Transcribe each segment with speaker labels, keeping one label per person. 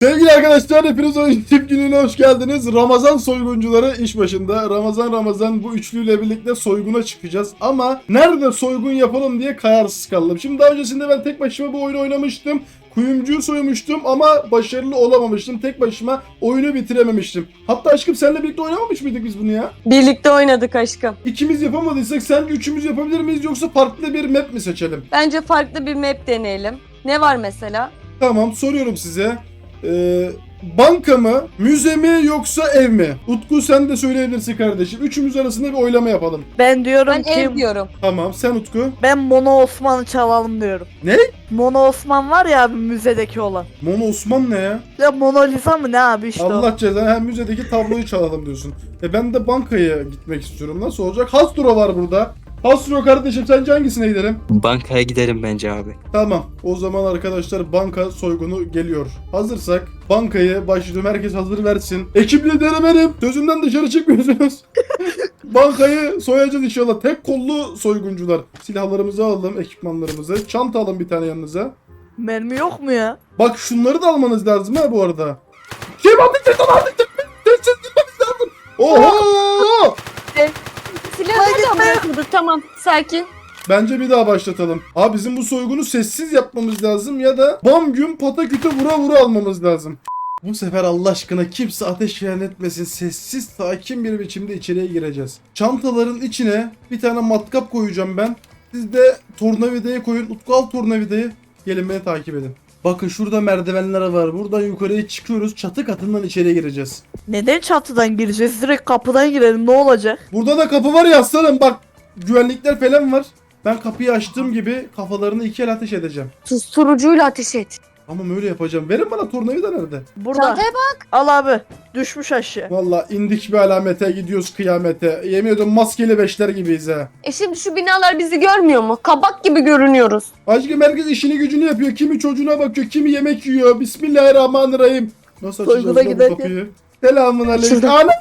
Speaker 1: Sevgili arkadaşlar, hepiniz oyun tip gününe hoş geldiniz. Ramazan soyguncuları iş başında. Ramazan bu üçlüyle birlikte soyguna çıkacağız. Ama nerede soygun yapalım diye kararsız kaldım. Şimdi daha öncesinde ben tek başıma bu oyunu oynamıştım. Kuyumcuyu soymuştum ama başarılı olamamıştım. Tek başıma oyunu bitirememiştim. Hatta aşkım seninle birlikte oynamamış mıydık biz bunu ya?
Speaker 2: Birlikte oynadık aşkım.
Speaker 1: İkimiz yapamadıysak sence üçümüz yapabilir miyiz yoksa farklı bir map mi seçelim?
Speaker 2: Bence farklı bir map deneyelim. Ne var mesela?
Speaker 1: Tamam, soruyorum size. Banka mı, müze mi yoksa ev mi? Utku sen de söyleyebilirsin kardeşim. Üçümüz arasında bir oylama yapalım.
Speaker 3: Ben diyorum
Speaker 2: Ben
Speaker 3: ki
Speaker 2: ev diyorum.
Speaker 1: Tamam, sen Utku.
Speaker 3: ben Mono Osman'ı çalalım diyorum.
Speaker 1: Ne?
Speaker 3: Mono Osman var ya abi müzedeki olan.
Speaker 1: Mono Osman ne ya?
Speaker 3: Ya Mona Lisa mı ne abi işte o.
Speaker 1: Allah cezanı, hem müzedeki tabloyu çalalım diyorsun. Ben de bankaya gitmek istiyorum. Nasıl olacak? Hasbro var burada. Hasbro kardeşim, sence hangisine gidelim?
Speaker 4: Bankaya gidelim bence abi.
Speaker 1: Tamam, o zaman arkadaşlar banka soygunu geliyor. Hazırsak bankayı başlıyorum, herkes hazır versin. Ekip lideri benim. Sözümden dışarı çıkmıyorsunuz. Bankayı soyacağız inşallah. Tek kollu soyguncular. Silahlarımızı alalım, ekipmanlarımızı. Çanta alın bir tane yanınıza.
Speaker 3: Mermi yok mu ya?
Speaker 1: Bak şunları da almanız lazım ha bu arada. Kim ateş et, ateş et. Sessiz gitmemiz lazım. Oho!
Speaker 2: Silahı nereden bırakıyorduk? Tamam, sakin.
Speaker 1: Bence bir daha başlatalım. Abi bizim bu soygunu sessiz yapmamız lazım ya da bam güm pataküte vura vura almamız lazım. Bu sefer Allah aşkına kimse ateş falan etmesin. Sessiz, sakin bir biçimde içeriye gireceğiz. Çantaların içine bir tane matkap koyacağım ben. Siz de tornavidayı koyun. Utku al tornavidayı. Gelin beni takip edin. Bakın şurada merdivenler var. Buradan yukarıya çıkıyoruz. Çatı katından içeriye gireceğiz.
Speaker 3: Neden çatıdan gireceğiz? Direkt kapıdan girelim ne olacak?
Speaker 1: Burada da kapı var ya aslanım. Bak güvenlikler falan var. Ben kapıyı açtığım gibi kafalarını iki el ateş edeceğim.
Speaker 2: Susturucuyla ateş et.
Speaker 1: Ama öyle yapacağım. Verin bana tornavida nerede?
Speaker 3: Burada.
Speaker 2: Çantaya bak.
Speaker 3: Al abi. Düşmüş aşağı.
Speaker 1: Valla indik bir alamete, gidiyoruz kıyamete. Yemin ediyorum maskeli beşler gibiyiz ha.
Speaker 2: Şimdi şu binalar bizi görmüyor mu? Kabak gibi görünüyoruz.
Speaker 1: Aşkım herkes işini gücünü yapıyor. Kimi çocuğuna bakıyor, kimi yemek yiyor. Bismillahirrahmanirrahim. Nasıl açacağız
Speaker 3: Soyguna
Speaker 1: lan bu
Speaker 3: giderken.
Speaker 1: kapıyı? Selamun aleyküm.
Speaker 2: Şurada.
Speaker 1: Ana!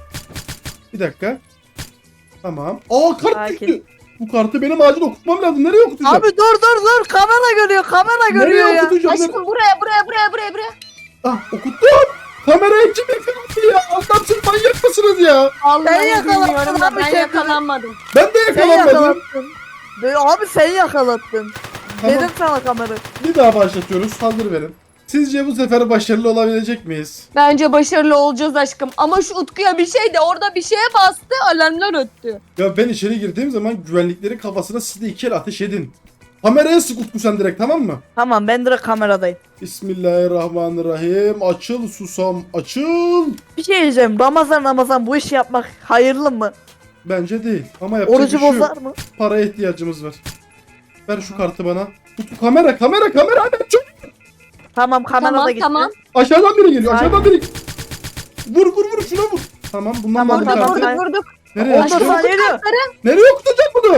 Speaker 1: Bir dakika. Tamam. Aa kart
Speaker 3: Sakin.
Speaker 1: çıktı. Bu kartı benim acil okutmam lazım. Nereye okutacağım?
Speaker 3: Abi dur kamera görüyor kamera görüyor
Speaker 1: Nereye
Speaker 3: ya.
Speaker 1: okutacağım?
Speaker 2: Aşkım buraya.
Speaker 1: Ah okuttum. Kamerayı kim yakaladı ya? Allah'ım siz manyak mısınız ya?
Speaker 2: Vallahi
Speaker 3: yakalandın
Speaker 2: bilmiyorum da
Speaker 3: abi
Speaker 2: ben
Speaker 3: kendini.
Speaker 2: yakalanmadım.
Speaker 1: Ben de
Speaker 3: Sen
Speaker 1: yakalanmadım.
Speaker 3: yakalattın. Abi sen yakalattın.
Speaker 1: Tamam.
Speaker 3: Dedim sana kamera.
Speaker 1: Bir daha başlatıyoruz. Hazır verin. Sizce bu sefer başarılı olabilecek miyiz?
Speaker 2: Bence başarılı olacağız aşkım. Ama şu Utku'ya bir şey de orada bir şeye bastı, alarmlar öttü.
Speaker 1: Ya ben içeri girdiğim zaman güvenliklerin kafasına siz de iki el ateş edin. Kameraya sık Utku sen direkt, tamam mı?
Speaker 3: Tamam ben direkt kameradayım.
Speaker 1: Bismillahirrahmanirrahim. Açıl susam açıl.
Speaker 3: Bir şey diyeceğim. Ramazan bu işi yapmak hayırlı mı?
Speaker 1: Bence değil ama yapacak
Speaker 3: Orucu
Speaker 1: bir şey yok.
Speaker 3: bozar mı?
Speaker 1: Paraya ihtiyacımız var. Ver şu kartı bana. Utku kamera hadi çok.
Speaker 3: Tamam kamerada gitti.
Speaker 2: Tamam.
Speaker 1: Aşağıdan biri geliyor,
Speaker 3: Ay.
Speaker 1: aşağıdan biri. Vur şuna vur. Tamam bundan
Speaker 3: Tamam,
Speaker 1: da bir
Speaker 3: tamam.
Speaker 1: kartı.
Speaker 2: Vurduk.
Speaker 1: Nereye?
Speaker 3: Ondan
Speaker 2: Aşkım,
Speaker 3: sonra geliyor.
Speaker 1: Nereye okutacağım bunu?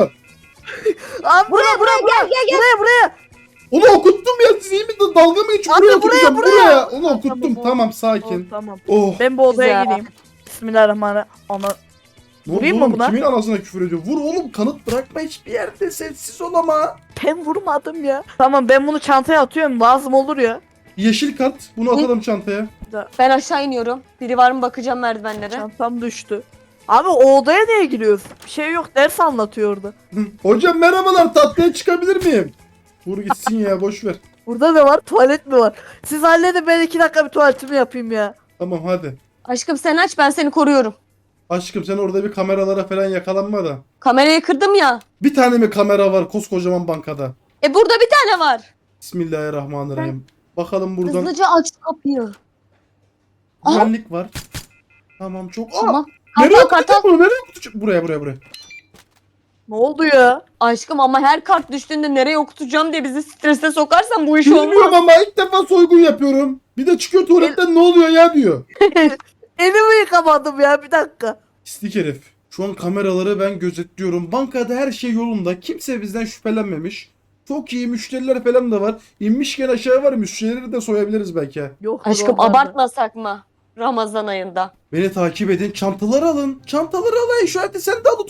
Speaker 3: Abi buraya buraya.
Speaker 1: Onu okuttum ya, siz iyi mi? Dalga mı geçiyorsun?
Speaker 3: Abi
Speaker 1: Buraya okutacağım,
Speaker 3: buraya.
Speaker 1: Onu okuttum.
Speaker 3: Tamam,
Speaker 1: Tamam
Speaker 3: Oh,
Speaker 1: sakin.
Speaker 3: tamam.
Speaker 1: Oh.
Speaker 3: Ben bu odaya
Speaker 2: Güzel.
Speaker 3: gireyim. Bismillahirrahmanirrahim. Ana. Vurayım mı
Speaker 1: Oğlum,
Speaker 3: buna?
Speaker 1: kimin anasına küfür ediyor? Vur oğlum, kanıt bırakma hiçbir yerde, sessiz ol ama.
Speaker 3: Ben vurmadım ya. Tamam ben bunu çantaya atıyorum. Lazım olur ya.
Speaker 1: Yeşil kart, bunu atalım çantaya.
Speaker 2: Ben aşağı iniyorum. Biri var mı bakacağım merdivenlere.
Speaker 3: Çantam düştü. Abi o odaya niye giriyoruz? Bir şey yok ders anlatıyor orada.
Speaker 1: Hocam merhabalar, tatlıya çıkabilir miyim? Vur gitsin ya, boş ver.
Speaker 3: Burada ne var? Tuvalet mi var? Siz halledin ben 2 dakika bir tuvaletimi yapayım ya.
Speaker 1: Tamam hadi.
Speaker 2: Aşkım sen aç, ben seni koruyorum.
Speaker 1: Aşkım sen orada bir kameralara falan yakalanma da.
Speaker 2: Kamerayı kırdım ya.
Speaker 1: Bir tane mi kamera var koskocaman bankada?
Speaker 2: Burada bir tane var.
Speaker 1: Bismillahirrahmanirrahim. Bakalım buradan
Speaker 2: Hızlıca aç şu kapıyı.
Speaker 1: güvenlik var. Tamam çok. Aa,
Speaker 2: Tamam.
Speaker 1: nereye
Speaker 2: Kartal
Speaker 1: okutacağım
Speaker 2: kartal.
Speaker 1: bunu? Nereye okutacağım? Buraya.
Speaker 3: Ne oldu ya?
Speaker 2: Aşkım ama her kart düştüğünde nereye okutacağım diye bizi strese sokarsan bu iş
Speaker 1: Bilmiyorum
Speaker 2: olmaz.
Speaker 1: ama ilk defa soygun yapıyorum. Bir de çıkıyor tuvaletten ne oluyor ya diyor.
Speaker 3: Elimi yıkamadım ya bir dakika.
Speaker 1: Pislik herif. Şu an kameraları ben gözetliyorum. Bankada her şey yolunda. Kimse bizden şüphelenmemiş. Çok iyi müşteriler falan da var. İnmişken aşağı var, müşterileri de soyabiliriz belki.
Speaker 3: Yok.
Speaker 2: Aşkım abartmasak mı? Ramazan ayında.
Speaker 1: Beni takip edin. Çantaları alın. Çantaları alın. Şu halde sen de al Utku.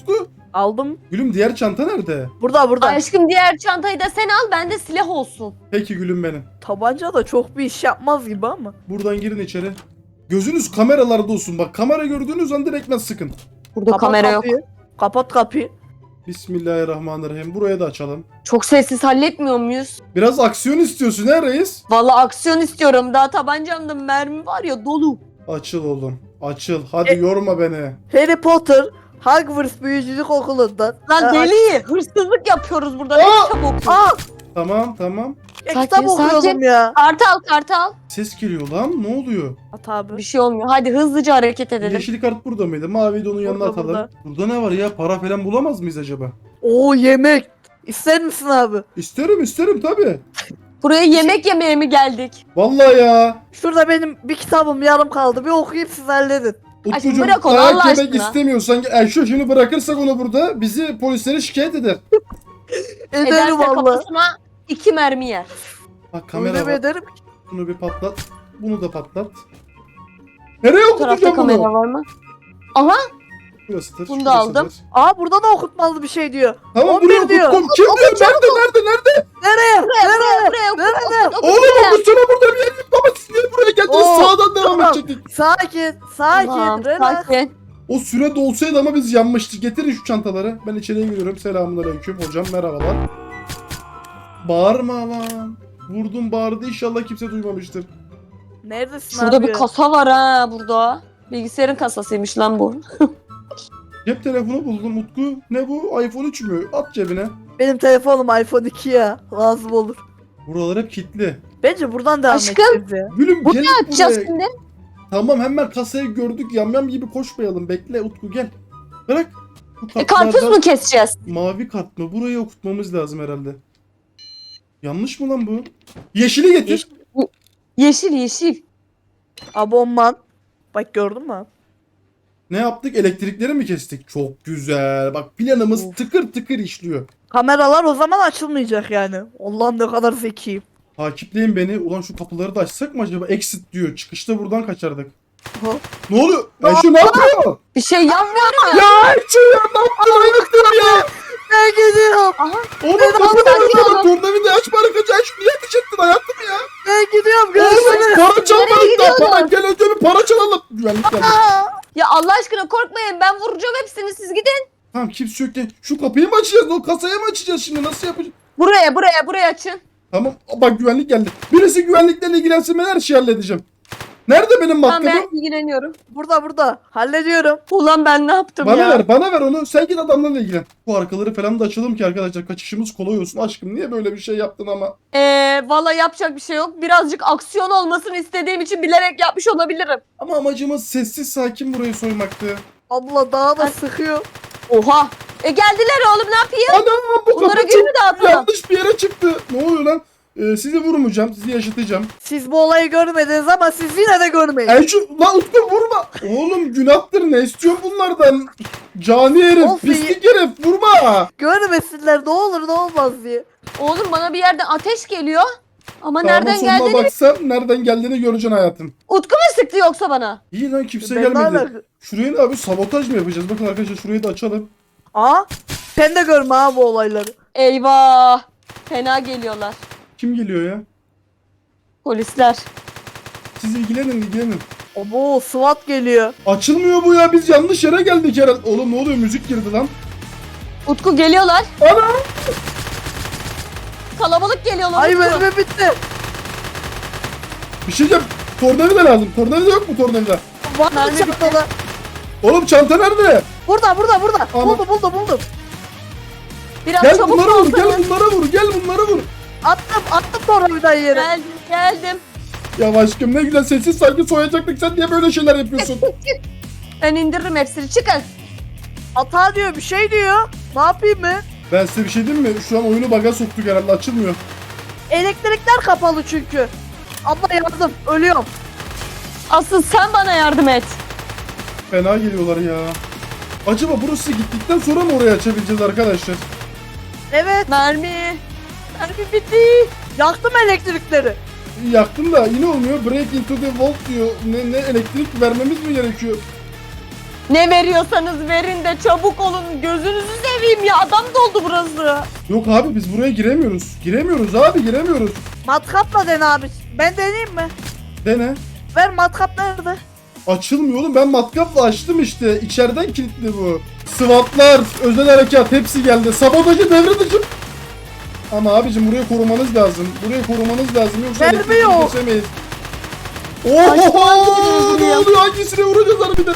Speaker 3: Aldım.
Speaker 1: Gülüm diğer çanta nerede?
Speaker 3: Burada.
Speaker 2: Aşkım diğer çantayı da sen al, bende silah olsun.
Speaker 1: Peki gülüm benim.
Speaker 3: Tabanca da çok bir iş yapmaz gibi ama.
Speaker 1: Buradan girin içeri. Gözünüz kameralarda olsun. Bak kamera gördüğünüz an direkt sıkın.
Speaker 2: Burada
Speaker 3: Kapat
Speaker 2: kamera yok.
Speaker 3: kapıyı. Kapat kapıyı.
Speaker 1: Bismillahirrahmanirrahim. Buraya da açalım.
Speaker 2: Çok sessiz halletmiyor muyuz?
Speaker 1: Biraz aksiyon istiyorsun ha reis?
Speaker 2: Vallahi aksiyon istiyorum. Daha tabancamda mermi var ya, dolu.
Speaker 1: Açıl oğlum. Açıl. Hadi yorma beni.
Speaker 3: Harry Potter Hogwarts Büyücülük Okulu'ndan.
Speaker 2: Lan
Speaker 3: Aa,
Speaker 2: deli. Hırsızlık yapıyoruz burada. Ne
Speaker 1: Aa!
Speaker 2: kitap okuyoruz?
Speaker 3: Aa!
Speaker 1: Tamam.
Speaker 3: Ya
Speaker 2: Sakin,
Speaker 3: kitap okuyordum
Speaker 2: sakin.
Speaker 3: ya.
Speaker 2: Kartal.
Speaker 1: Ses geliyor lan. Ne oluyor?
Speaker 3: At abi.
Speaker 2: Bir şey olmuyor. Hadi hızlıca hareket edelim.
Speaker 1: Yeşil kart burada mıydı? Maviyi de onun yanına
Speaker 3: Burada,
Speaker 1: atalım. Burada ne var ya? Para falan bulamaz mıyız acaba?
Speaker 3: Oo, yemek. İster misin abi?
Speaker 1: İsterim tabii.
Speaker 2: Buraya yemek yemeye mi geldik?
Speaker 1: Vallahi ya.
Speaker 3: Şurada benim bir kitabım yarım kaldı. Bir okuyup siz halledin.
Speaker 2: Aşkım
Speaker 1: Utkucuğum
Speaker 2: bırak onu
Speaker 1: dayak
Speaker 2: Allah
Speaker 1: yemek
Speaker 2: aşkına.
Speaker 1: istemiyorsan şu şimdi bırakırsak onu burada bizi polislere şikayet eder.
Speaker 3: Ederim
Speaker 2: Ederse
Speaker 3: valla.
Speaker 2: kafasına 2 mermi yer.
Speaker 1: Bak
Speaker 3: Öyle
Speaker 1: kamera
Speaker 3: mi
Speaker 1: var.
Speaker 3: ederim?
Speaker 1: Bunu bir patlat. Bunu da patlat. Nereye
Speaker 2: Bu tarafta
Speaker 1: okutacağım
Speaker 2: kamera
Speaker 1: bunu?
Speaker 2: var mı? Aha,
Speaker 1: Burasıdır.
Speaker 2: Bunu da
Speaker 1: şurasıdır.
Speaker 2: aldım.
Speaker 3: Aa, burada da okutmalı bir şey diyor.
Speaker 1: Tamam
Speaker 3: 11
Speaker 1: buraya
Speaker 3: diyor.
Speaker 1: okuttum. Kim diyor? Nerede?
Speaker 3: Nereye?
Speaker 2: buraya okut,
Speaker 3: Nerede?
Speaker 2: okut, okut.
Speaker 1: Oğlum okutsana burada bir yer yok. Baba siz niye buraya geldiniz?
Speaker 3: Oo,
Speaker 1: Sağdan devam
Speaker 3: tamam.
Speaker 1: edecektik.
Speaker 3: Sakin.
Speaker 2: Tamam,
Speaker 3: Relax.
Speaker 2: sakin.
Speaker 1: O süre dolsaydı ama biz yanmıştık. Getirin şu çantaları. Ben içeriye giriyorum. Selamünaleyküm hocam. Merhabalar. Bağırma lan. Vurdum bağırdı. İnşallah kimse duymamıştır.
Speaker 3: Neredesin
Speaker 2: Şurada
Speaker 3: abi?
Speaker 2: bir kasa var ha burada. Bilgisayarın kasasıymış lan bu.
Speaker 1: Cep telefonu buldum Utku. Ne bu? iPhone 3 mü? At cebine.
Speaker 3: Benim telefonum iPhone 2 ya. Lazım olur.
Speaker 1: Buralar hep kilitli.
Speaker 3: Bence buradan devam
Speaker 2: Aşkım.
Speaker 3: edeceğiz ya.
Speaker 1: Gülüm
Speaker 2: Bu
Speaker 1: gel
Speaker 2: ne açacağız
Speaker 1: buraya.
Speaker 2: şimdi?
Speaker 1: Tamam hemen kasayı gördük. Yamyam gibi koşmayalım. Bekle Utku gel. Bırak. Bu
Speaker 2: Karpuz
Speaker 1: kartlardan-
Speaker 2: mu keseceğiz?
Speaker 1: Mavi kart mı? Burayı okutmamız lazım herhalde. Yanlış mı lan bu? Yeşili getir.
Speaker 2: Yeşil.
Speaker 3: Abonman. Bak gördün mü?
Speaker 1: Ne yaptık? Elektrikleri mi kestik? Çok güzel. Bak planımız
Speaker 3: Of.
Speaker 1: tıkır tıkır işliyor.
Speaker 3: Kameralar o zaman açılmayacak yani. Allah'ım ne kadar zekiyim.
Speaker 1: Takipleyin beni. Ulan şu kapıları da açsak mı acaba? Exit diyor. Çıkışta buradan kaçardık.
Speaker 3: Ha?
Speaker 1: Ne oluyor? Ayşe ne yapıyor?
Speaker 2: Bir şey yapmıyorum.
Speaker 1: Ya Ayşe ya ne yaptın? Ayıktın ya.
Speaker 3: Ben gidiyorum.
Speaker 1: Oğlum
Speaker 2: Sakin
Speaker 1: kapıları
Speaker 2: olun.
Speaker 1: açma. Tornavida açma arkadaş. Ayşe niye ateş ettin hayatım ya?
Speaker 3: Ben gidiyorum.
Speaker 1: Oğlum
Speaker 3: Görüşürüz.
Speaker 1: para çalmadık
Speaker 2: Nereye
Speaker 1: daha.
Speaker 2: gidiyorsun?
Speaker 1: Para gel önce bir para çalalım. Güvenlik geldi.
Speaker 2: Ya Allah aşkına korkmayın, ben vuracağım hepsini, siz gidin.
Speaker 1: Tamam kimse yok. Şu kapıyı mı açacağız? O kasayı mı açacağız şimdi? Nasıl yapacağız?
Speaker 2: Buraya açın.
Speaker 1: Tamam bak güvenlik geldi. Birisi güvenliklerle ilgilensin ben her şeyi halledeceğim. Nerede benim
Speaker 2: Tamam,
Speaker 1: matkabım?
Speaker 2: ben ilgileniyorum.
Speaker 3: Burada. Hallediyorum.
Speaker 2: Ulan ben ne yaptım
Speaker 1: Bana
Speaker 2: ya?
Speaker 1: bana ver onu. Sen git adamlarla ilgilen. Bu arkaları falan da açalım ki arkadaşlar kaçışımız kolay olsun. Aşkım niye böyle bir şey yaptın ama?
Speaker 2: Valla yapacak bir şey yok. Birazcık aksiyon olmasını istediğim için bilerek yapmış olabilirim.
Speaker 1: Ama amacımız sessiz sakin burayı soymaktı.
Speaker 3: Abla daha da sıkıyor.
Speaker 2: Oha. Geldiler oğlum, ne yapayım?
Speaker 1: Anam bu
Speaker 2: Bunlara
Speaker 1: kapı
Speaker 2: gül
Speaker 1: çok
Speaker 2: mü dağıtalım?
Speaker 1: yanlış bir yere çıktı. Ne oluyor lan? Sizi vurmayacağım. Sizi yaşatacağım.
Speaker 3: Siz bu olayı görmediniz ama siz yine de görmeyin.
Speaker 1: Lan Utku vurma. Oğlum günahtır ne istiyorsun bunlardan? Cani herif,
Speaker 3: Olsun,
Speaker 1: pislik herif vurma.
Speaker 3: Görmesinler ne olur ne olmaz diye.
Speaker 2: Oğlum bana bir yerden ateş geliyor. Ama
Speaker 1: Sağıma
Speaker 2: nereden
Speaker 1: soluma
Speaker 2: geldiğini...
Speaker 1: baksan nereden geldiğini göreceksin hayatım.
Speaker 2: Utku mu sıktı yoksa bana?
Speaker 1: İyi lan kimse
Speaker 3: Ben
Speaker 1: gelmedi.
Speaker 3: hala-
Speaker 1: Şuraya ne abi sabotaj mı yapacağız? Bakın arkadaşlar şurayı da açalım.
Speaker 3: Aa, sen de görme ha bu olayları.
Speaker 2: Eyvah. Fena geliyorlar.
Speaker 1: Kim geliyor ya?
Speaker 2: Polisler.
Speaker 1: Siz ilgilenin.
Speaker 3: Abo, SWAT geliyor.
Speaker 1: Açılmıyor bu ya biz yanlış yere geldik herhalde. Oğlum ne oluyor müzik girdi lan.
Speaker 2: Utku geliyorlar.
Speaker 1: Ana!
Speaker 2: Kalabalık geliyorlar.
Speaker 3: Ay
Speaker 2: Utku.
Speaker 3: mermi bitti.
Speaker 1: Bir şey diyeceğim. Tornavida lazım. Tornavida yok mu tornavida?
Speaker 3: Var mı
Speaker 2: Mermi
Speaker 3: çantada?
Speaker 1: Oğlum çanta nerede?
Speaker 3: Burada.
Speaker 1: Ama-
Speaker 3: Buldum.
Speaker 2: Biraz
Speaker 1: Gel
Speaker 2: çabuk
Speaker 1: bunlara vur,
Speaker 2: olsanız.
Speaker 1: gel bunlara vur.
Speaker 3: Attım sonra bir daha yere.
Speaker 2: Geldim.
Speaker 1: Ya aşkım ne güzel sessiz sakin soyacaktık. Sen niye böyle şeyler yapıyorsun?
Speaker 2: Ben indiririm hepsini. Çıkın.
Speaker 3: Hata diyor, bir şey diyor. Ne yapayım mı?
Speaker 1: Ben size bir şey diyeyim mi? Şu an oyunu baga soktuk herhalde açılmıyor.
Speaker 3: Elektrikler kapalı çünkü. Abla yardım, ölüyorum.
Speaker 2: Asıl sen bana yardım et.
Speaker 1: Fena geliyorlar ya. Acaba burası gittikten sonra mı oraya açabileceğiz arkadaşlar?
Speaker 3: Evet,
Speaker 2: Mermi bitti.
Speaker 3: yaktım elektrikleri.
Speaker 1: Yaktım da yine olmuyor. Break into the vault diyor. Ne elektrik vermemiz mi gerekiyor?
Speaker 2: Ne veriyorsanız verin de çabuk olun. Gözünüzü seveyim ya. Adam doldu burası.
Speaker 1: Yok abi biz buraya giremiyoruz. Giremiyoruz abi giremiyoruz.
Speaker 3: Matkapla dene abi. Ben deneyeyim mi?
Speaker 1: Dene.
Speaker 3: Ver, matkap nerede?
Speaker 1: Açılmıyor oğlum ben matkapla açtım işte. İçeriden kilitli bu. SWAT'lar, özel harekat hepsi geldi. Sabotajı devre dışı. Ama abicim burayı korumanız lazım. Burayı korumanız lazım yoksa
Speaker 3: Vermiyor.
Speaker 1: elektriği kesemeyiz.
Speaker 2: Aşkım,
Speaker 1: Oho!
Speaker 2: hangisini
Speaker 1: Ne
Speaker 2: vuruyor?
Speaker 1: oluyor? Hangisine vuracağız harbiden?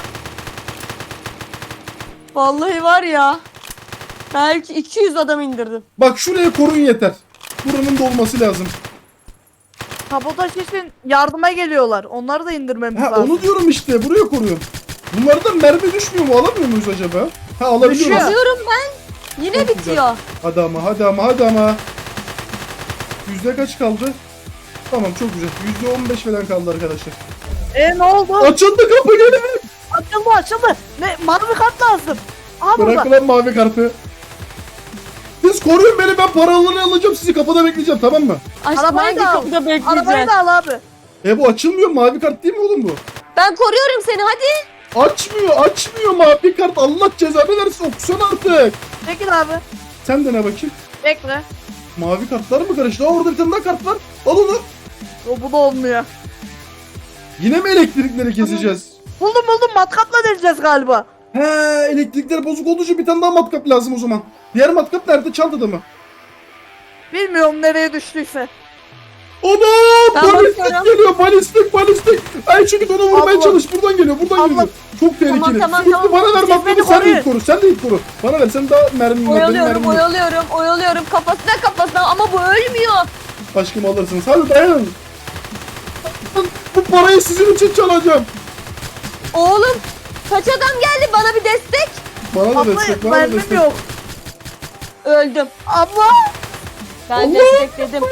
Speaker 2: Vallahi var ya. Belki 200 adam indirdim.
Speaker 1: Bak şuraya korun yeter. Buranın dolması lazım.
Speaker 3: Sabotaj için yardıma geliyorlar. Onları da indirmemiz
Speaker 1: Ha
Speaker 3: lazım.
Speaker 1: onu diyorum işte. Buraya koruyorum. Bunlardan mermi düşmüyor mu? Alamıyor muyuz acaba? Ha alabiliyoruz.
Speaker 3: Düşüyor.
Speaker 2: Alıyorum ben. Yine
Speaker 1: Çok güzel.
Speaker 2: bitiyor.
Speaker 1: Hadi ama hadi ama hadi ama. Yüzde kaç kaldı? Tamam çok güzel. %15 falan kaldı arkadaşlar.
Speaker 3: Ne oldu?
Speaker 1: Açıldı kapı gelin.
Speaker 3: Açıldı. Ne? Mavi kart lazım. Aha
Speaker 1: Bırak
Speaker 3: burada.
Speaker 1: lan mavi kartı. Siz koruyun beni ben paralarını alacağım sizi kapıda bekleyeceğim tamam mı?
Speaker 2: Aşkım
Speaker 3: Arabayı
Speaker 2: hangi
Speaker 3: da al.
Speaker 2: kapıda
Speaker 3: Arabayı
Speaker 2: bekleyeceğiz?
Speaker 3: da al abi.
Speaker 1: Bu açılmıyor mavi kart değil mi oğlum bu?
Speaker 2: Ben koruyorum seni hadi.
Speaker 1: Açmıyor mavi kart Allah cezanı versin okusana artık.
Speaker 3: Çekil abi.
Speaker 1: Sen de ne bakayım?
Speaker 3: Bekle.
Speaker 1: Mavi kartlar mı karıştı? Aa orada bir tane daha kart var. Al onu.
Speaker 3: Bu da olmuyor.
Speaker 1: Yine mi elektrikleri keseceğiz?
Speaker 3: Buldum. Matkapla deleceğiz galiba.
Speaker 1: He elektrikler bozuk olduğu için bir tane daha matkap lazım o zaman. Diğer matkap nerede? Çantada mı?
Speaker 3: Bilmiyorum nereye düştüyse.
Speaker 1: Ana
Speaker 2: Ben
Speaker 1: balistik
Speaker 2: bakıyorum.
Speaker 1: geliyor balistik. Ay çünkü onu vurmaya
Speaker 3: Allah.
Speaker 1: çalış buradan geliyor
Speaker 3: Allah.
Speaker 1: Çok tehlikeli.
Speaker 2: Tamam,
Speaker 1: Sürekli bana ver
Speaker 3: Siz
Speaker 1: matkapı
Speaker 3: beni
Speaker 1: sen de
Speaker 3: koruyun.
Speaker 1: it koru sen de it koru. Bana ver sen daha mermin var benim mermim yok.
Speaker 2: Oyalıyorum kafasına ama bu ölmüyor.
Speaker 1: Aşkım alırsınız hadi dayanın. Bu parayı sizin için çalacağım.
Speaker 2: Oğlum kaç adam geldi bana bir destek.
Speaker 1: Bana da
Speaker 3: Abla
Speaker 1: destek bana da
Speaker 3: mermim
Speaker 1: destek.
Speaker 3: yok.
Speaker 2: Öldüm.
Speaker 3: Abla.
Speaker 2: Ben
Speaker 1: Allah!
Speaker 2: destekledim.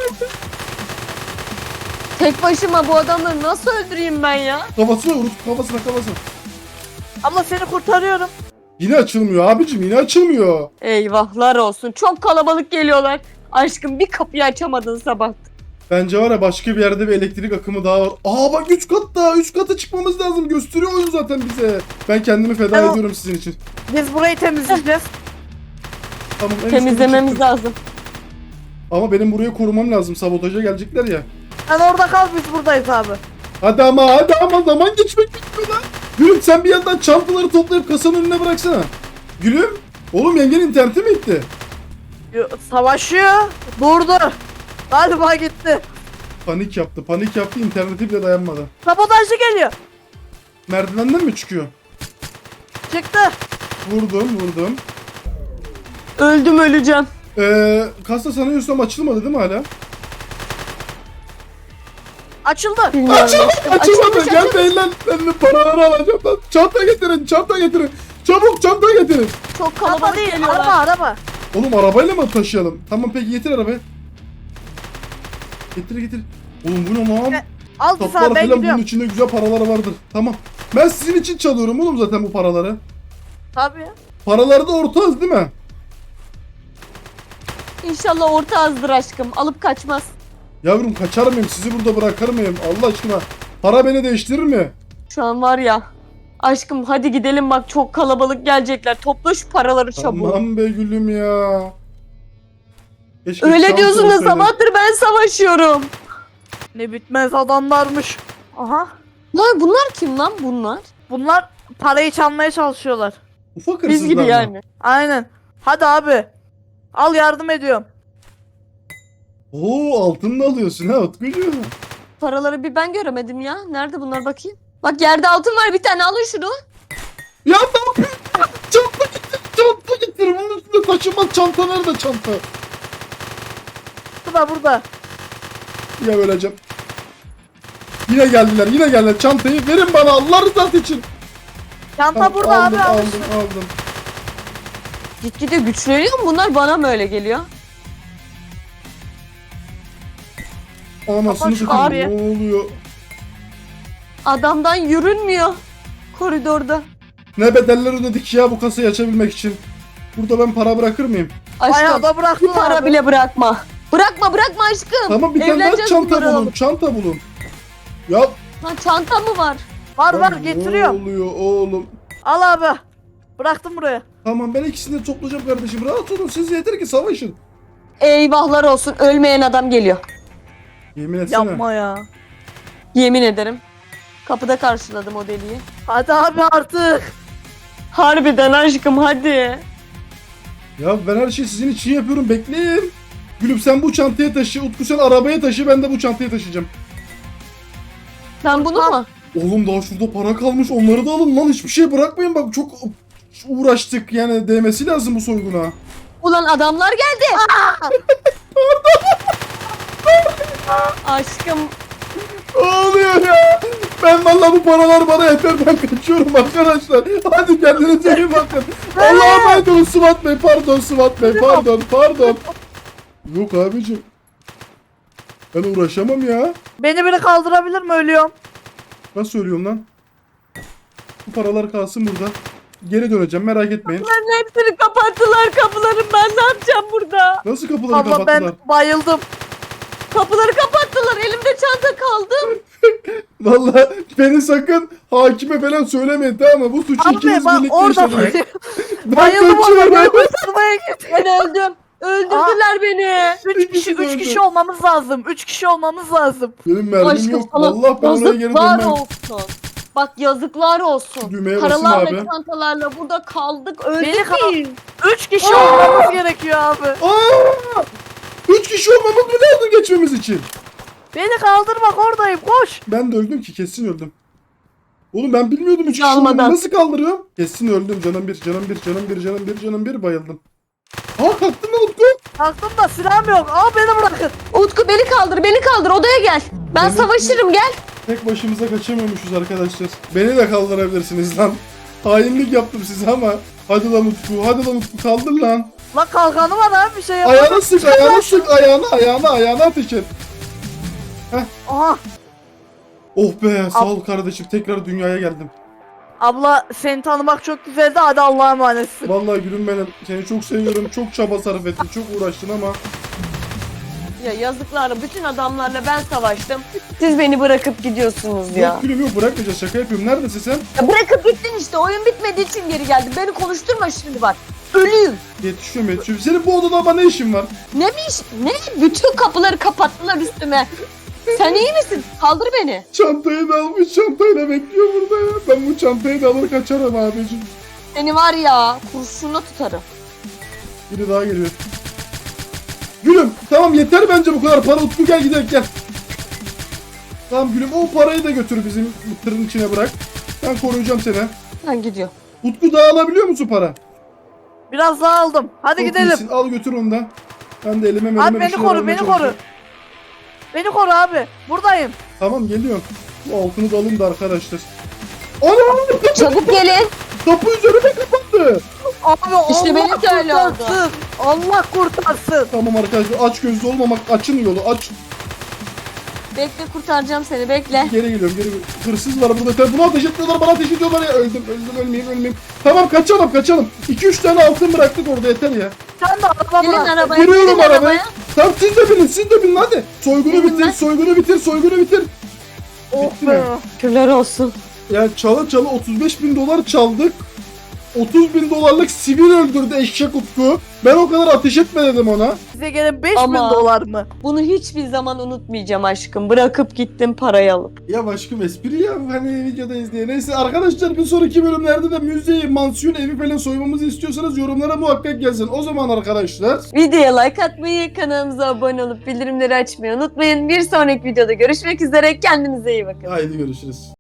Speaker 2: Tek başıma bu adamları nasıl öldüreyim ben ya?
Speaker 1: Kafasına vur kafasına.
Speaker 3: Abla seni kurtarıyorum.
Speaker 1: Yine açılmıyor abicim yine açılmıyor.
Speaker 2: Eyvahlar olsun. Çok kalabalık geliyorlar. Aşkım bir kapıyı açamadın sabah.
Speaker 1: Bence var ya başka bir yerde bir elektrik akımı daha var. Aa bak 3 kat daha 3 kata çıkmamız lazım gösteriyor oyun zaten bize. Ben kendimi feda
Speaker 3: Tamam.
Speaker 1: ediyorum sizin için.
Speaker 3: Biz burayı temizleyeceğiz.
Speaker 1: Tamam en üstte
Speaker 2: Temizlememiz
Speaker 1: çıktım.
Speaker 2: lazım.
Speaker 1: Ama benim burayı korumam lazım sabotaja gelecekler ya.
Speaker 3: Sen orada kal, biz buradayız abi.
Speaker 1: Hadi ama zaman geçmek bitmiyor lan. Gülüm sen bir yandan çantaları toplayıp kasanın önüne bıraksana. Gülüm. Oğlum yengen interneti mi gitti?
Speaker 3: Savaşıyor. Durdu. Galiba gitti.
Speaker 1: Panik yaptı interneti bile dayanmadı.
Speaker 3: Sabotajcı geliyor.
Speaker 1: Merdivenden mi çıkıyor?
Speaker 3: Çıktı.
Speaker 1: Vurdum.
Speaker 2: Öldüm öleceğim.
Speaker 1: Kasa sanıyorsam açılmadı değil mi hala?
Speaker 3: Açıldı.
Speaker 2: Bilmiyorum.
Speaker 1: Açılmadı. Gel değil lan. Ben de paraları alacağım lan. Çanta getirin. Çabuk çanta getirin.
Speaker 2: Çok
Speaker 3: Araba
Speaker 2: kalabalık
Speaker 3: değil,
Speaker 2: geliyorlar.
Speaker 3: araba.
Speaker 1: Oğlum arabayla mı taşıyalım? Tamam peki getir arabayı. Getir. Oğlum bu ne lan?
Speaker 3: Al bir
Speaker 1: Toplar
Speaker 3: sana, ben
Speaker 1: falan bunun
Speaker 3: gidiyorum.
Speaker 1: içinde güzel paralar vardır. Tamam. Ben sizin için çalıyorum oğlum zaten bu paraları.
Speaker 3: Tabii.
Speaker 1: Paralarda ortağız değil mi?
Speaker 2: İnşallah orta azdır aşkım. Alıp kaçmaz.
Speaker 1: Yavrum kaçar mıyım? Sizi burada bırakır mıyım? Allah aşkına. Para beni değiştirir mi?
Speaker 2: Şu an var ya. Aşkım hadi gidelim bak çok kalabalık gelecekler. Topla şu paraları çabuk.
Speaker 1: Aman be gülüm ya. Keşke
Speaker 2: Öyle
Speaker 1: çanta
Speaker 2: diyorsun da
Speaker 1: olsaydı.
Speaker 2: sabahtır ben savaşıyorum.
Speaker 3: Ne bitmez adamlarmış. Aha.
Speaker 2: Lan bunlar kim lan bunlar?
Speaker 3: Bunlar parayı çalmaya çalışıyorlar.
Speaker 1: Ufak
Speaker 2: Biz
Speaker 1: hırsızlar
Speaker 2: gibi
Speaker 1: mı?
Speaker 2: yani.
Speaker 3: Aynen. Hadi abi. Al, yardım ediyorum.
Speaker 1: Oo altın da alıyorsun ha Utkucuğum.
Speaker 2: Paraları bir ben göremedim ya. Nerede bunlar bakayım? Bak yerde altın var bir tane alın şunu.
Speaker 1: Ya ne yapıyorsun? Çanta getir. Bunun üstünde taşınmaz çanta nerede çanta?
Speaker 3: Burada.
Speaker 1: Ya öleceğim. Yine geldiler. Çantayı verin bana Allah rızası için.
Speaker 3: Çanta
Speaker 1: Tamam,
Speaker 3: burada abi. Al.
Speaker 1: aldım.
Speaker 2: Gitgide güçleniyor mu bunlar? Bana mı öyle geliyor?
Speaker 1: Anasını
Speaker 3: Kapat şu
Speaker 1: satayım
Speaker 3: kapıyı.
Speaker 1: ne oluyor?
Speaker 2: Adamdan yürünmüyor. Koridorda.
Speaker 1: Ne bedeller ödedik ya bu kasayı açabilmek için. Burada ben para bırakır mıyım?
Speaker 3: Bayağı
Speaker 2: Aşkım
Speaker 3: da
Speaker 2: bir
Speaker 3: bıraktılar
Speaker 2: para
Speaker 3: abi.
Speaker 2: bile bırakma. Bırakma aşkım.
Speaker 1: Tamam bir tane daha
Speaker 2: Evleneceğiz
Speaker 1: çanta
Speaker 2: bunları
Speaker 1: bulun.
Speaker 2: alıp.
Speaker 1: Çanta bulun. Ya
Speaker 2: Lan çanta mı var?
Speaker 3: Var
Speaker 1: lan
Speaker 3: getiriyorum.
Speaker 1: Ne oluyor oğlum?
Speaker 3: Al abi. Bıraktım buraya.
Speaker 1: Tamam ben ikisini de toplayacağım kardeşim. Rahat olun siz yeter ki savaşın.
Speaker 2: Eyvahlar olsun, ölmeyen adam geliyor.
Speaker 1: Yemin etsene.
Speaker 3: Yapma ya.
Speaker 2: Yemin ederim. Kapıda karşıladım o deliği.
Speaker 3: Hadi abi artık.
Speaker 2: Harbiden aşkım hadi.
Speaker 1: Ya ben her şeyi sizin için yapıyorum bekleyin. Gülüm sen bu çantaya taşı. Utku sen arabaya taşı ben de bu çantaya taşıyacağım.
Speaker 2: Ben bunu mu?
Speaker 1: Oğlum daha şurada para kalmış onları da alın lan hiçbir şey bırakmayın bak çok uğraştık yani değmesi lazım bu soyguna.
Speaker 2: Ulan adamlar geldi. Aşkım
Speaker 1: Ne oluyor ya? Ben vallahi bu paralar bana yeter ben kaçıyorum arkadaşlar. Hadi kendinize iyi bakın. Allah'a emanet olun Sıvat Bey pardon Sıvat Bey pardon. Yok abicim. Ben uğraşamam ya.
Speaker 3: Beni biri kaldırabilir mi, ölüyorum?
Speaker 1: Nasıl söylüyorum lan? Bu paralar kalsın burada. Geri döneceğim merak etmeyin.
Speaker 2: bunların hepsini kapattılar kapıların. Ben ne yapacağım burada?
Speaker 1: Nasıl kapıları
Speaker 3: Abla
Speaker 1: kapattılar?
Speaker 3: ben bayıldım.
Speaker 2: Kapıları kapattılar. Elimde çanta kaldı.
Speaker 1: Vallahi beni sakın hakime falan söylemeyin tamam mı? Bu suçu
Speaker 3: Abi
Speaker 1: ikiniz
Speaker 3: bak
Speaker 1: birlikte
Speaker 3: orada
Speaker 1: işlediniz. Ben
Speaker 3: bayıldım orada.
Speaker 1: kaçıyorum.
Speaker 3: Kurtarmaya git.
Speaker 2: Ben öldüm. Öldürdüler beni.
Speaker 3: 3 kişi olmamız lazım. 3 kişi olmamız lazım.
Speaker 1: Benim mermim
Speaker 2: Aşkım
Speaker 1: yok.
Speaker 2: sana
Speaker 1: Vallahi ben oraya geri
Speaker 2: yazıklar
Speaker 1: dönmem.
Speaker 2: olsun. Bak yazıklar olsun.
Speaker 1: Düğmeye basın
Speaker 2: Paralar
Speaker 1: abi.
Speaker 2: ve çantalarla burada kaldık. Öldük
Speaker 3: Beni kal-
Speaker 2: biz.
Speaker 3: 3 kişi olmamız gerekiyor abi.
Speaker 1: Aa! 3 kişi olmamız mı lazım geçmemiz için?
Speaker 3: Beni kaldırmak, oradayım, koş.
Speaker 1: Ben de öldüm ki kesin öldüm. Oğlum ben bilmiyordum 3 kişi
Speaker 2: Almadan.
Speaker 1: olduğumu nasıl kaldırıyorum? Kesin öldüm canım bir bayıldım. Aa kalktın lan Utku.
Speaker 3: Kalktım da silahım yok. Al beni bırakın.
Speaker 2: Utku beni kaldır odaya gel. Ben
Speaker 1: Demek ki-
Speaker 2: savaşırım gel.
Speaker 1: Tek başımıza kaçamıyormuşuz arkadaşlar. Beni de kaldırabilirsiniz lan. Hainlik yaptım size ama. Hadi lan Utku kaldır lan.
Speaker 3: Lan kalkanı var abi, bir şey yap.
Speaker 1: Ayağına ateş et.
Speaker 3: Aha.
Speaker 1: Oh be sağ ol kardeşim tekrar dünyaya geldim.
Speaker 3: Abla seni tanımak çok güzeldi. Hadi Allah'a emanetsin.
Speaker 1: Vallahi gülüm benim seni çok seviyorum çok çaba sarf ettin çok uğraştın ama.
Speaker 2: Ya yazıklar bütün adamlarla ben savaştım. Siz beni bırakıp gidiyorsunuz ya.
Speaker 1: Yok gülüm yok bırakmayacağız şaka yapıyorum neredesin sen?
Speaker 2: Ya bırakıp gittin işte oyun bitmediği için geri geldim. Beni konuşturma şimdi bak. Ölüyüm.
Speaker 1: Yetişiyorum. Senin bu odada ama ne işin var?
Speaker 2: Ne bir iş? Ne? Bütün kapıları kapattılar üstüme. Sen iyi misin? Kaldır beni.
Speaker 1: Çantayı da almış çantayla bekliyor burada ya. Ben bu çantayı da alır kaçarım abicim.
Speaker 2: Seni var ya kurşuna tutarım.
Speaker 1: Biri daha geliyor. Gülüm tamam yeter bence bu kadar para Utku gel gidelim gel. Tamam gülüm o parayı da götür bizim tırın içine bırak. Ben koruyacağım seni.
Speaker 2: Ben gidiyorum.
Speaker 1: Utku daha alabiliyor musun para?
Speaker 3: Biraz daha aldım. Hadi
Speaker 1: Çok
Speaker 3: gidelim.
Speaker 1: iyisin, al götür onu da. Ben de elime
Speaker 3: Abi
Speaker 1: bir
Speaker 3: beni
Speaker 1: şeyler
Speaker 3: koru,
Speaker 1: almaya
Speaker 3: beni koru.
Speaker 1: çalışıyorum.
Speaker 3: Beni koru abi. Buradayım.
Speaker 1: Tamam geliyorum. Bu altını da alayım da arkadaşlar. Ana!
Speaker 2: Çabuk gelin.
Speaker 1: Kapı üzerime kapandı.
Speaker 3: Abi
Speaker 2: İşte
Speaker 3: Allah
Speaker 2: benim de öyle oldu.
Speaker 3: kurtarsın. Allah kurtarsın.
Speaker 1: Tamam arkadaşlar aç gözlü olmamak açın yolu aç.
Speaker 2: Bekle kurtaracağım seni bekle.
Speaker 1: Geri geliyorum geri geliyorum. Hırsız var burada. Buna ateş etmiyorlar bana ateş ediyorlar ya. Öldüm ölmeyeyim. Tamam kaçalım. 2-3 tane altın bıraktık orada yeter ya.
Speaker 3: Sen de araba
Speaker 2: Gelin
Speaker 3: bırak.
Speaker 2: arabaya.
Speaker 1: Giriyorum
Speaker 2: gelin
Speaker 1: arabaya. Tamam siz de binin hadi. Soygunu
Speaker 2: Benim
Speaker 1: bitir
Speaker 2: ben-
Speaker 1: soygunu bitir.
Speaker 3: Oh
Speaker 1: Bitti
Speaker 3: be.
Speaker 1: mi?
Speaker 2: Şükürler olsun.
Speaker 1: Ya çala 35.000 dolar çaldık. 30.000 dolarlık sivil öldürdü eşek Utku. Ben o kadar ateş etme dedim ona.
Speaker 3: Size gelen 5.000
Speaker 2: Ama-
Speaker 3: dolar mı?
Speaker 2: Bunu hiçbir zaman unutmayacağım aşkım. Bırakıp gittim parayı alıp.
Speaker 1: Ya aşkım espri ya hani videodayız diye. Neyse arkadaşlar bir sonraki bölümlerde de müzeyi, mansiyon, evi falan soymamızı istiyorsanız yorumlara muhakkak yazın. O zaman arkadaşlar
Speaker 2: Videoya like atmayı, kanalımıza abone olup bildirimleri açmayı unutmayın. Bir sonraki videoda görüşmek üzere. Kendinize iyi bakın.
Speaker 1: haydi görüşürüz.